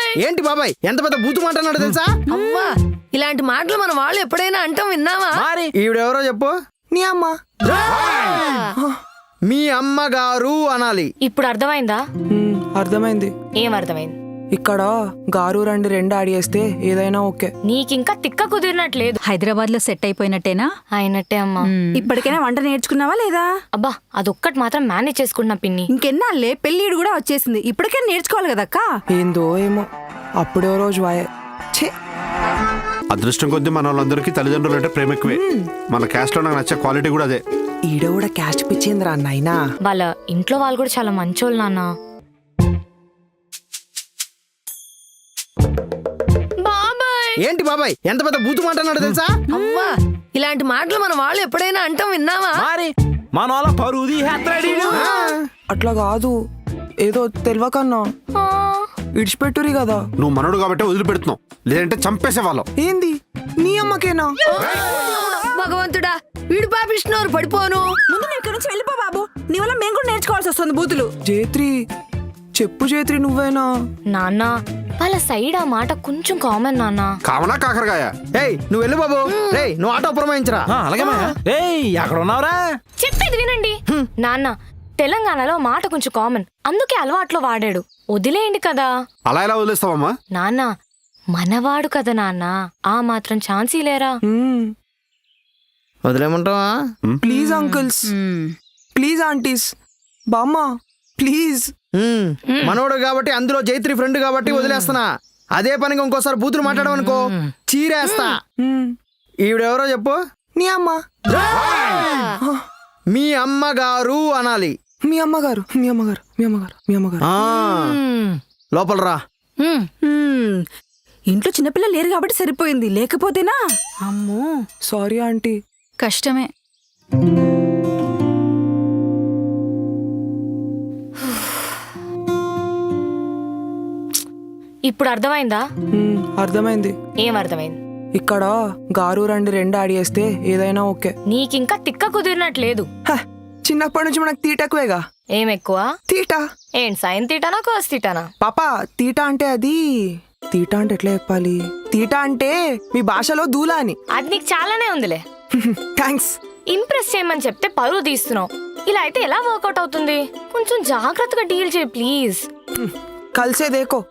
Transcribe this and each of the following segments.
ఏంటి బాబాయ్ ఎంత పెద్ద బూతు మాట అన్నాడు తెలుసా? అవ్వా ఇలాంటి మాటలు మన వాళ్ళు ఎప్పుడైనా అంటాం విన్నావా? మరి ఈవిడెవరో చెప్పు. నీ అమ్మ. మీ అమ్మగారు అనాలి. ఇప్పుడు అర్థమైందా? అర్థమైంది. ఏం అర్థమైంది? ఇక్కడ గారు రండి రెండు ఆడియేస్తే ఏదైనా ఓకే. నీకింకా తిక్క కుదిరినట్లేదు. హైదరాబాద్ లో సెట్ అయిపోయినట్టేనా? అయినట్టే అమ్మా. ఇప్పటికైనా వంట నేర్చుకున్నావా లేదా? అబ్బా అదొక్కటి మాత్రం మేనేజ్ చేసుకుంటున్నా పిన్ని. ఇంకెన్నాళ్ళే పెళ్ళిడు కూడా వచ్చేసింది, ఇప్పటికే నేర్చుకోవాలి కదక్క. ఏందో ఏమో అప్పుడే రోజు వాయే. ఛే, అదృష్టం కొద్దీ మన వాళ్ళందరికీ తల్లిదండ్రులు అంటే ప్రేమ ఎక్కువే. మన క్యాస్ట్ లో నాకు నచ్చే క్వాలిటీ కూడా అదే. ఈడ కూడా క్యాస్ట్ పిచ్చేంద్రా అన్నైనా. వాళ్ళ ఇంట్లో వాళ్ళు కూడా చాలా మంచోళ్ళు నాన్న. ఏంటి బాబాయ్ ఎంత పెద్ద బూతు మాట అన్నాడు తెలుసా? అవ్వా ఇలాంటి మాటలు మన వాళ్ళు ఎప్పుడైనా అంటాం విన్నావా? మరి మన వాళ్ళ పరుది అట్లా కాదు, ఏదో తెలియకన్నా ఇడిచిపెట్టురి కదా. నువ్వు మనోడు కాబట్టి వదిలిపెడుతున్నావు, లేదంటే చంపేసే వాళ్ళం. ఏంది నీ అమ్మకేనా? భగవంతుడా వీడు పాపిస్తున్నారు, పడిపోను. ముందు నువ్వు ఇక్కడ నుంచి వెళ్ళిపో బాబు, నీ వల్ల మేము కూడా నేర్చుకోవాల్సి వస్తుంది బూతులు. జేత్రి చెప్పు, జేత్రి నువ్వేనా? నాన్న వాళ్ళ సైడ్ ఆ మాట కొంచెం కామన్ నాన్న. కావనా కాకరకాయ? ఏయ్ నువ్వు వెళ్ళు బాబు. రేయ్ నువ్వు ఆటో పురమాయించరా. అలాగే ఎక్కడ ఉన్నావురా? చెప్పేది వినండి నాన్న. తెలంగాణలో మాట కొంచెం కామన్, అందుకే అలవాట్లో వాడాడు. వదిలేయండి కదా. అలా ఎలా వదిలేస్తావమ్మా? నాన్న మనవాడు కదా నాన్న, ఆ మాత్రం ఛాన్సీ లేరా? వదిలేమంటావా? ప్లీజ్ అంకుల్స్, ప్లీజ్ ఆంటీస్, బామ్మ ప్లీజ్. మనోడు కాబట్టి, అందులో జైత్రి ఫ్రెండ్ కాబట్టి వదిలేస్తున్నా. అదే పనిగా ఇంకోసారి బూతులు మాట్లాడమనుకో చీరేస్తా. ఈవిడెవరో చెప్పు. నీ అమ్మ. మీ అమ్మగారు అనాలి. మీ అమ్మగారు, మీ అమ్మగారు, మీ అమ్మగారు, మీ అమ్మగారు. లోపల రా. ఇంట్లో చిన్నపిల్లలు లేరు కాబట్టి సరిపోయింది, లేకపోతేనా అమ్మో. Sorry aunty. కష్టమే. ఇప్పుడు అర్థమైందా? అర్థమైంది. ఏం అర్థమైంది? ఇక్కడ గారు రండి రెండు ఆడియేస్తే ఏదైనా ఓకే. నీకింకా తిక్క కుదిరినట్లేదు. చిన్నప్పటి నుంచి మనకు తీట ఎక్కువేగా. ఏం ఎక్కువ? తీట. ఏం సైన్ తీటానా కోస్ తీటానా? పాపా తీట అంటే అది, తీట అంటే ఎట్లా చెప్పాలి? తీట అంటే మీ భాషలో దూలా అని. అది నీకు చాలానే ఉందిలే. థ్యాంక్స్. ఇంప్రెస్ చేయమని చెప్తే పరువు తీస్తున్నావు. ఇలా అయితే ఎలా వర్కౌట్ అవుతుంది? కొంచెం జాగ్రత్తగా డీల్ చేయి ప్లీజ్. కలిసే దేకో.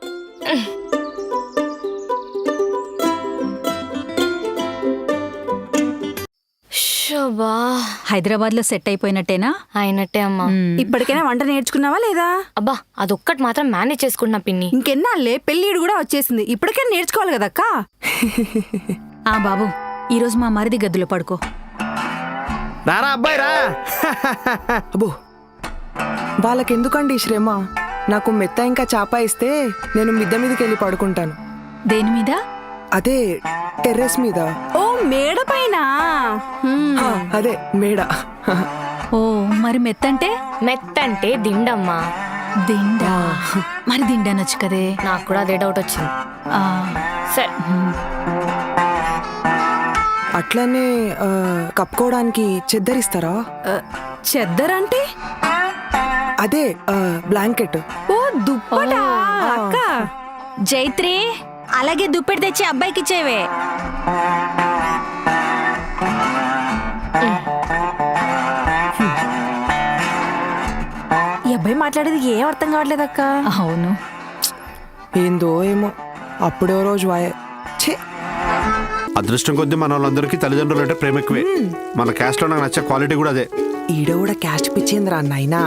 శోభా హైదరాబాద్ లో సెట్ అయిపోయినట్టేనా? అయినట్టే అమ్మా. ఇప్పటికైనా వంట నేర్చుకున్నావా లేదా? అబ్బా అదొక్కటి మాత్రం మేనేజ్ చేసుకుంటున్నా పిన్ని. ఇంకెన్నాళ్ళే పెళ్ళిడు కూడా వచ్చేసింది, ఇప్పటికే నేర్చుకోవాలి కదక్క. ఆ బాబు ఈరోజు మా మరిది గదిలో పడుకో. రారా అబ్బాయి రా. అబ్బో వాళ్ళకెందుకండి ఈ శ్రమ? నాకు మెత్త ఇంకా చాప ఇస్తే నేను మిద్ద మీదకి వెళ్ళి పడుకుంటాను. దేని మీద? అదే టెర్రస్ మీద. ఓ మేడ పైన. అదే మేడ. ఓ మరి మెత్తంటే? మెత్తంటే దిండమ్మా. దిండా? మరి దిండనొచ్చు కదే. నాకు కూడా అదే డౌట్ వచ్చింది. ఆ, సరే అట్లనే కప్పుకోవడానికి చెద్దరిస్తారా? చెద్దరంటే? అదే బ్లాంకెట్. ఓ దుప్పటా అక్క. జైత్రి అలాగే దుప్పెడి తెచ్చి అబ్బాయికి ఇచ్చేవే. ఈ అబ్బాయి మాట్లాడేది ఏం అర్థం కావట్లేదు అక్క. అవును. ఏందో ఏమో అప్పుడే రోజు వాయే. ఛే, అదృష్టం కొద్దీ మన వాళ్ళందరికీ తల్లిదండ్రులు అంటే ప్రేమ ఎక్కువే. మన క్యాస్ట్ లో నాకు నచ్చే క్వాలిటీ కూడా అదే. ఈడ కూడా క్యాస్ట్ పిచ్చేంద్రా అన్నైనా.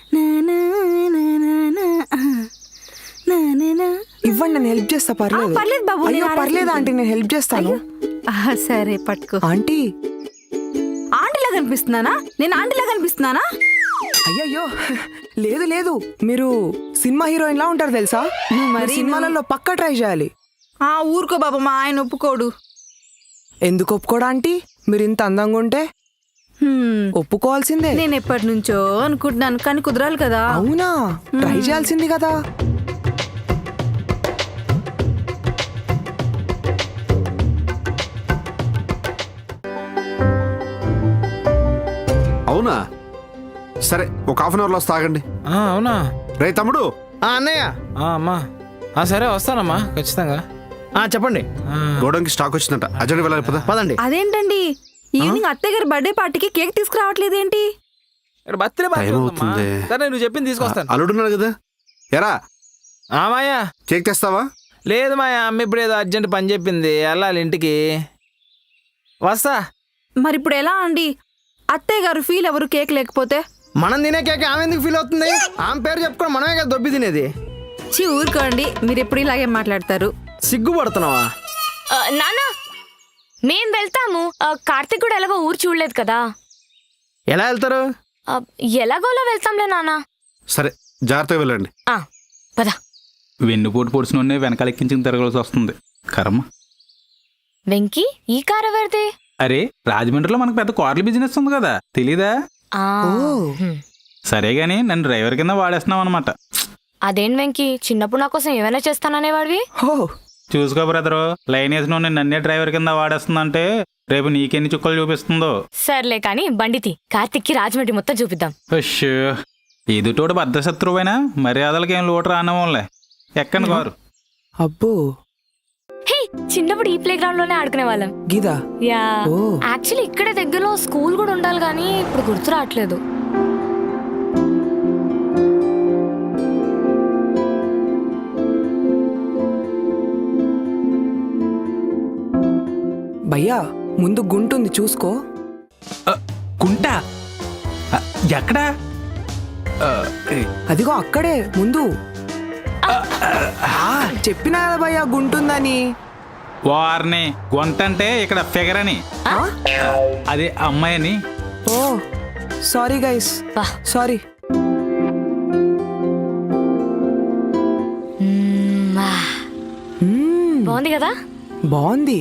ఇవ్వండి నేను హెల్ప్ చేస్తా. పర్లేదు. పర్లేదు బాబు, అయ్యో పర్లేదు ఆంటీ, నేను హెల్ప్ చేస్తాను. సరే పట్టుకో. ఆంటీ. ఆంటీలా కనిపిస్తున్నానా? నేను ఆంటీలా కనిపిస్తున్నానా? అయ్యయ్యో లేదు లేదు, మీరు సినిమా హీరోయిన్ లా ఉంటారు తెలుసా? మరి సినిమాలలో పక్కా ట్రై చేయాలి. ఊరుకో బాబు, మా ఆయన ఒప్పుకోడు. ఎందుకు ఒప్పుకోడా ఆంటీ? మీరు ఇంత అందంగా ఉంటే ఒప్పుకోవాల్సిందే. నేను ఎప్పటి నుంచో అనుకుంటున్నాను, కానీ కుదరాలి కదా. అవునా? ట్రై చేయాల్సింది కదా. అవునా? సరే ఒక హాఫ్ అన్ అవర్ లో వస్తా, ఆగండి. అవునా? రే తమ్ముడు. అన్నయ్య. అమ్మా సరే వస్తానమ్మా ఖచ్చితంగా. చెప్పండి. గోడంకి స్టాక్ వచ్చిందంట, అర్జెంట్ వెళ్ళాలి పద. పదండి. అదేంటండి ఈవినింగ్ అత్తయ్య గారి బర్త్డే పార్టీకి కేక్ తీసుకురావట్లేదు ఏంటి? ఇక్కడ బర్త్డే పార్టీ టైం ఉందమ్మా. అవుతుంది. సరే నువ్వు చెప్పింది తీసుకొస్తాను. అల్లుడున్నాడు కదా, ఎరా మాయా కేక్ తెస్తావా? లేదు మాయా, అమ్మ ఇప్పుడు ఏదో అర్జెంట్ పని చెప్పింది, వెళ్ళాలి ఇంటికి. వస్తా. మరి ఇప్పుడు ఎలా అండి? అత్తయ్య గారు ఫీల్ ఎవరు కేక్ లేకపోతే? మనం తినే కేక్ ఆమె ఎందుకు ఫీల్ అవుతుంది? ఆమె పేరు చెప్పుకొని మనమే కదా దొబ్బి తినేది. ఊరుకోండి, మీరు ఎప్పుడు ఇలాగే మాట్లాడతారు. సిగ్గుపడుతున్నావా? నాన్న మేం వెళ్తాము. కార్తిక్ కూడా ఎలాగో ఊరు చూడలేదు కదా. ఎలా వెళ్తారు? ఎలాగోలా వెళ్తాంలే నాన్న. సరే జాగ్రత్తగా వెళ్ళండి. పద. వెన్నుపోటు పొడిచిన వెనకాల ఎక్కించుకుని తిరగాల్సి వస్తుంది. కర్మ. వెంకీ, ఈ కార్ ఎవరిది? అరే రాజమండ్రిలో మనకు పెద్ద కార్ల బిజినెస్ ఉంది కదా, తెలీదా? సరే గాని నన్ను డ్రైవర్ కింద వాడేస్తున్నావు అనమాట. అదేం వెంకీ, చిన్నప్పుడు నా కోసం ఏమైనా చేస్తాననేవాడివి. చూసుకో బ్రదరు, లైన్ వేసిన నువ్వు నన్నే డ్రైవర్ కింద వాడేస్తుందంటే రేపు నీకెన్ని చుక్కలు చూపిస్తుందో. సర్లే కాని బండితి, కార్తిక్కి రాజమండ్రి మొత్తం చూపిద్దాం. అష్యో, ఎదుటోడు బద్ధశత్రువైనా మర్యాదలకి ఏం లోటు రానివ్వంలే. ఎక్కండి కారు. అబ్బో హే, చిన్నప్పుడు ఈ ప్లే గ్రౌండ్ లోనే ఆడుకునే వాళ్ళం. గీదా. యా, ఓ. యాక్చువల్లీ ఇక్కడే దగ్గరలో స్కూల్ కూడా ఉండాలి కానీ ఇప్పుడు గుర్తు రావట్లేదు. భయ్యా ముందు గుంటుంది చూసుకో. కుంటా ఎక్కడా? అదిగో అక్కడే ముందు. చెప్పినా కదా భయ్యా గుంటుందని. వారిని గొంతంటే ఇక్కడ ఫిగర్ అని, అదే అమ్మాయి అని. Oh sorry guys, sorry. బాగుంది కదా? బాగుంది.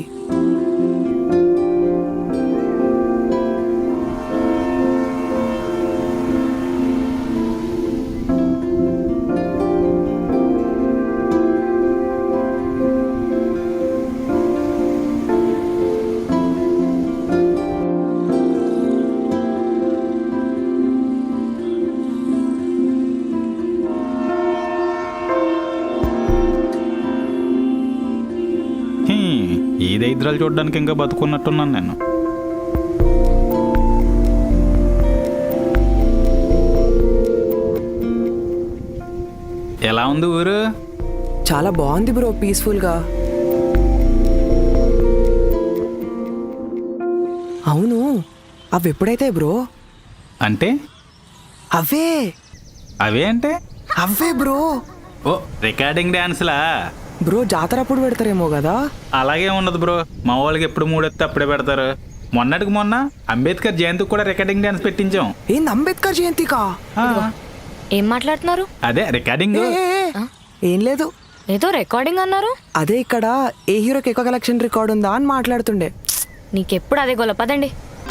ఈ దరిద్రాలు చూడడానికి ఇంకా బతుకున్నట్టున్నాను నేను. ఎలా ఉంది ఊరు? చాలా బాగుంది బ్రో, పీస్ఫుల్ గా. అవును, అవి ఎప్పుడైతే బ్రో? అంటే అవే అవే అంటే అవే బ్రో. ఓ రికార్డింగ్ డాన్స్లా బ్రో జాతర అప్పుడు పెడతారేమో కదా. అలాగే ఉండదు బ్రో, మా వాళ్ళకి ఎప్పుడు మూడెత్తే అప్పుడే పెడతారు. మొన్నటికి మొన్న అంబేద్కర్ జయంతికి కూడా రికార్డింగ్ డాన్స్ పెట్టించాం. ఏంది అంబేద్కర్ జయంతికా? ఏం మాట్లాడుతున్నారు? అదే రికార్డింగ్. ఏం లేదు, ఏదో రికార్డింగ్ అన్నారు. అదే ఇక్కడ ఏ హీరోకి ఎక్కువ కలెక్షన్ రికార్డ్ ఉందా అని మాట్లాడుతుండే. నీకెప్పుడు అదే గొల్ల, పదండి.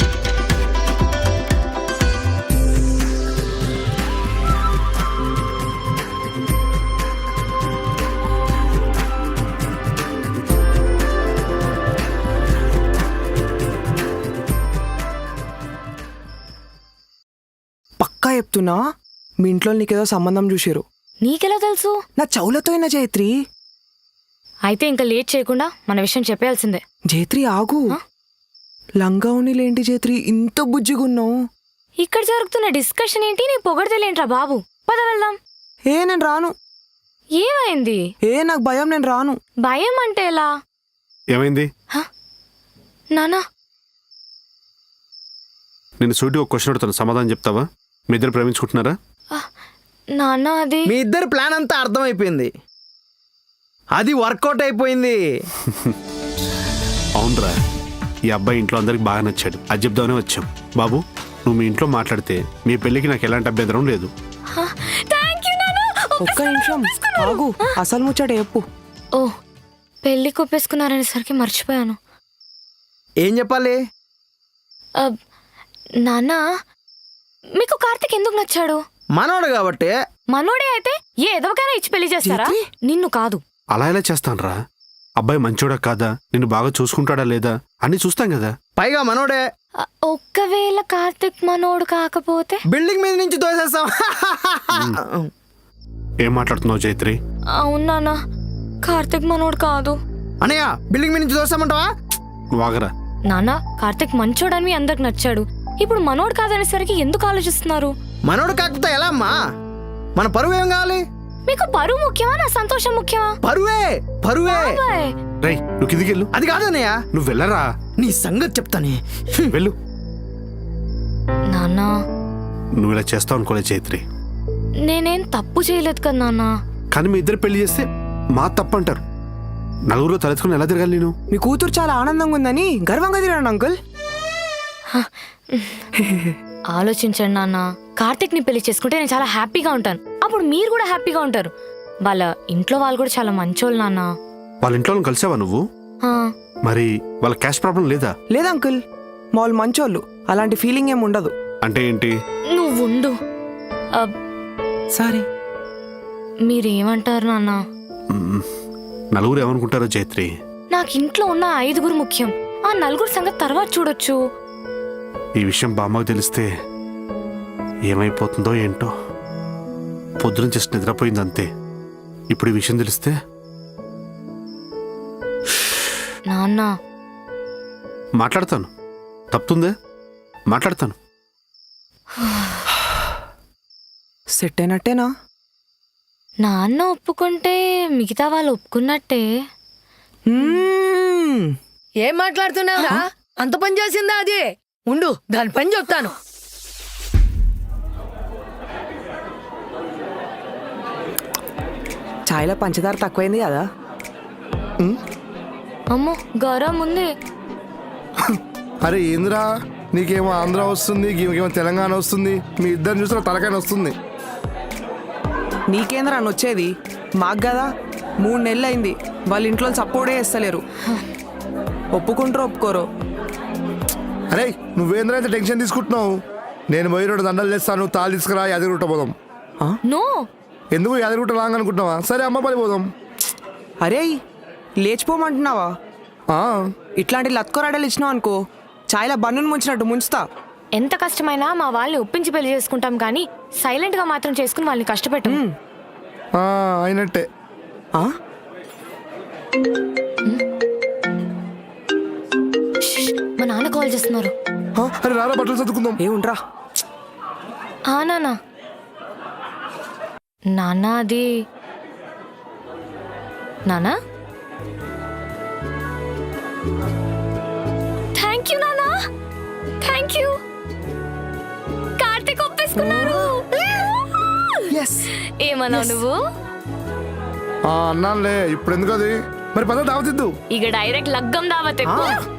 పక్కా చెప్తున్నా, మీ ఇంట్లో నీకేదో సంబంధం చూసారు. నీకెలా తెలుసు? నా చెవులతో అయినా జైత్రి. అయితే ఇంకా లేట్ చేయకుండా మన విషయం చెప్పాల్సిందే. జైత్రి ఆగు. లంగా లేంటి జైత్రి, ఇంత బుజ్జిగున్నావు. ఇక్కడ జరుగుతున్న డిస్కషన్ ఏంటి? నీ పొగడతలేంట్రా బాబు. పద వెళ్దాం. నేను రాను. ఏమైంది? నాకు భయం, నేను రాను. భయం అంటే ఎలా? ఏమైంది? నానా, నేను సూటి ఒక క్వశ్చన్ అడుగుతాను, సమాధానం చెప్తావా? మీ ఇద్దరు ప్రేమించుకుంటున్నారా? నాన్న అది మీ ఇద్దరు ప్లాన్ అంతా అర్థమైపోయింది, అది వర్కౌట్ అయిపోయింది. అవునరా, ఈ అబ్బాయి ఇంట్లో అందరికి బాగా నచ్చాడు, అది చెప్దామనే వచ్చాం. బాబు, నువ్వు మీ ఇంట్లో మాట్లాడితే మీ పెళ్ళికి నాకు ఎలాంటి అభ్యంతరం లేదు. ఒక్క నిమిషం ఆగు, అసలు ముచ్చట చెప్పు. ఓ, పెళ్లి కొప్పేసుకున్నారనేసరికి మర్చిపోయాను. ఏం చెప్పాలి? నాన్న, మీకు కార్తిక్ ఎందుకు నచ్చాడు? మనోడు కాబట్టి. మనోడే అయితే ఏ ఎదవకైనా ఇచ్చి పెళ్లి చేస్తారా? నిన్ను కాదు. అలా ఎలా చేస్తానరా? అబ్బాయి మంచోడా కాదా, నిన్ను బాగా చూసుకుంటాడా లేదా అని చూస్తాం కదా. పైగా మనోడే. ఒక్కవేళ కార్తిక్ మనోడు కాకపోతే బిల్డింగ్ మీద నుంచి తోసేస్తాం. ఏం మాట్లాడుతున్నావు జైత్రి? అవునా? కార్తిక్ మనోడు కాదు. అనయ్య బిల్డింగ్ మీద నుంచి దోస్తామంటావా? నువ్వు ఆగరా. నాన్న, కార్తిక్ మంచోడని అందరికి నచ్చాడు. ఇప్పుడు మనోడు కాదనేసరికి ఎందుకు ఆలోచిస్తున్నారు? మనోడు కాకపోతే ఎలా అమ్మా? మన పరువు ఏం కావాలి? మీకు పరువు ముఖ్యమా, నా సంతోషం ముఖ్యమా? పరువే పరువే. బాయ్. రేయ్ నువ్వు కిందికి వెళ్ళు. అది కాదు అన్నయ్య, నువ్వు వెళ్ళరా. నీ సంగతి చెప్తానే. వెళ్ళు. నాన్న, నువ్వు ఇలా చేస్తావు అనుకోలే చైత్రి. నేనేం తప్పు చేయలేదు కదా నాన్న. కానీ మీ ఇద్దరు పెళ్లి చేస్తే మా తప్పు అంటారు. నలుగురు తలెత్తుకుని ఎలా తిరగాలి నేను? మీ కూతురు చాలా ఆనందంగా ఉందని గర్వంగా తిరాను అంకుల్. ఆలోచించండి నాన్న, కార్తిక్ ని పెళ్లి చేసుకుంటే నేను చాలా హ్యాపీగా ఉంటాను. అప్పుడు మీరు కూడా హ్యాపీగా ఉంటారు. వాళ్ళ ఇంట్లో వాళ్ళు కూడా చాలా మంచోళ్ళు నాన్న. వాళ్ళ ఇంట్లో వాళ్ళని కలిసావా నువ్వు? ఆ, మరి వాళ్ళ క్యాష్ ప్రాబ్లం లేదా? లేదా అంకుల్, మా వాళ్ళు మంచోళ్ళు, అలాంటి ఫీలింగ్ ఏం ఉండదు. అంటే ఏంటి? నువ్వు ఉండు. ఆ, సరే. మీరేమంటారు నాన్న? మ్మ్. నలుగురు ఏమనుకుంటారో చైత్రి. నాకు ఇంట్లో ఉన్న 5 ముఖ్యం. ఆ 4 సంగతి తర్వాత చూడొచ్చు. ఈ విషయం బామ్మకు తెలిస్తే ఏమైపోతుందో ఏంటో. పొద్దున జస్ట్ నిద్రపోయింది అంతే. ఇప్పుడు ఈ విషయం తెలిస్తే నాన్న, మాట్లాడతాను. తప్పుతుందే, మాట్లాడతాను. సెట్ అయినట్టేనా? నాన్న ఒప్పుకుంటే మిగతా వాళ్ళు ఒప్పుకున్నట్టే. ఏం మాట్లాడుతున్నావురా? అంత పని చేసిందా అది? ఉండు, దాని పని చెప్తాను. చాయ్లో పంచదార తక్కువైంది కదా. అమ్మో, గౌరవం ఉంది. అరే ఏంద్రా, నీకేమో ఆంధ్ర వస్తుంది, నీకేమో తెలంగాణ వస్తుంది, మీ ఇద్దరు చూసిన తలకాయ వస్తుంది. నీకేంద్రా అని వచ్చేది? మాకు కదా 3 నెలలు అయింది, వాళ్ళ ఇంట్లో సపోర్టే చేస్తలేరు. ఒప్పుకుంటారో ఒప్పుకోరో. అరే నువ్వేంద్రా అయితే టెన్షన్ తీసుకుంటున్నావు? నేను పోయి 2 దండలు చేస్తాను, తాళి తీసుకురా, యాదగిరిగుట్ట పోదాం. నో, ఎందుకు యాదగిరిగుట్ట లాంగ్ అనుకుంటున్నావా? సరే అమ్మపల్లి పోదాం. అరే లేచిపోమంటున్నావా? ఆ, ఇట్లాంటి లత్కోరాడలు ఇచ్చినావు అనుకో, చాయ్లో బన్నును ముంచినట్టు ముంచుతా. ఎంత కష్టమైనా మా వాళ్ళని ఒప్పించి పెళ్లి చేసుకుంటాం కానీ సైలెంట్ గా మాత్రం చేసుకుని వాళ్ళని కష్టపెట్టాం. ఆ, అయినట్టే. ఆ? మా నాన్న కాల్ చేస్తున్నారు. ఆ, అరే రారా బట్టలు చదువుకుందాం. ఏ ఉండ్రా. ఆ నాన్న, నాన్న అది నాన్న. థ్యాంక్ యూ నాన్న, థ్యాంక్ యూ. కార్తీక్ ఒప్పేసుకున్నారు. ఏమన్నావు నువ్వు? అన్నానులే, ఇప్పుడు ఎందుకు అది? మరి పద దావతిద్దు. ఇక డైరెక్ట్ లగ్గం దావత్ ఎక్కువ.